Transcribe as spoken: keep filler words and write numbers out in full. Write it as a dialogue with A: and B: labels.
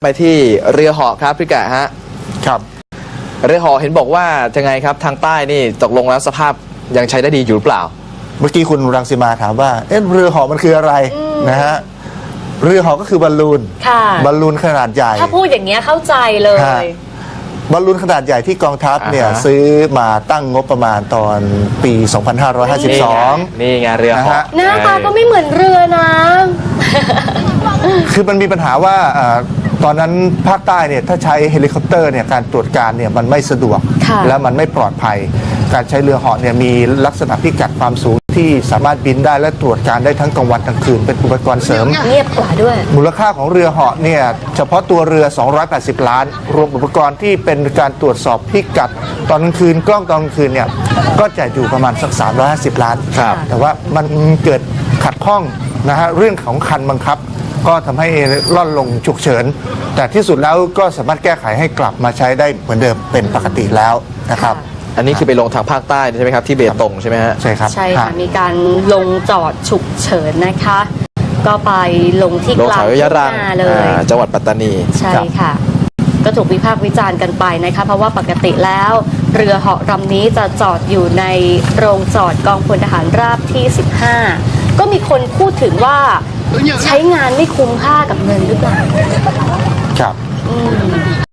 A: ไปที่เรือเหาะครับพี่กะฮะ
B: ครับ
A: เรือเหาะเห็นบอกว่าจะไงครับทางใต้นี่ตกลงแล้วสภาพยังใช้ได้ดีอยู่หรือเปล่า
B: เมื่อกี้คุณรังสีมาถามว่าเอ๊ะเรือเหาะมันคืออะไรนะฮะเรือเหาะก็คือบอลลูนบอลลูนขนาดใหญ่
C: ถ้าพูดอย่างเงี้ยเข้าใจเลย
B: บอลลูนขนาดใหญ่ที่กองทัพเนี่ยซื้อมาตั้งงบประมาณตอนปี สองพันห้าร้อยห้าสิบสอง
A: นี่ไงเรือเหาะ
C: หน้าตาก็ไม่เหมือนเรือนะ
B: คือมันมีปัญหาว่าตอนนั้นภาคใต้เนี่ยถ้าใช้เฮลิคอปเตอร์เนี่ยการตรวจการเนี่ยมันไม่สะดวกและมันไม่ปลอดภัยการใช้เรือเหาะเนี่ยมีลักษณะพิกัดความสูงที่สามารถบินได้และตรวจการได้ทั้งกลางวันกลางคืนเป็นอุปกรณ์เสริม
C: เงียบกว่าด้วย
B: มูลค่าของเรือเหาะเนี่ยเฉพาะตัวเรือ สองร้อยแปดสิบ ล้านรวมอุปกรณ์ที่เป็นการตรวจสอบพิกัดตอนกลางคืนกล้องตอนกลางคืนเนี่ยก็จะอยู่ประมาณสักสามร้อยห้าสิบล้านแต่ว่ามันเกิดขัดข้องนะฮะเรื่องของคันบังคับก็ทำให้ล่อนลงฉุกเฉินแต่ที่สุดแล้วก็สามารถแก้ไขให้กลับมาใช้ได้เหมือนเดิมเป็นปกติแล้วนะครับ
A: อันนี้คือไปลงทางภาคใต้ใช่ไหมครับที่เบตงใช่ไหมฮะ
B: ใช่ครับ
C: ใช่ค่ะมีการลงจอดฉุกเฉินนะคะก็ไปลงที่กลางทุ่งนาเลย
A: จังหวัดปัตตานี
C: ใช่ค่ะก็ถูกวิพากษ์วิจารณ์กันไปนะคะเพราะว่าปกติแล้วเรือเหาะลำนี้จะจอดอยู่ในโรงจอดกองพลทหารราบที่สิบห้าก็มีคนพูดถึงว่าใช้งานไม่คุ้มค่ากับเงินหรือเปล่า
B: ครับ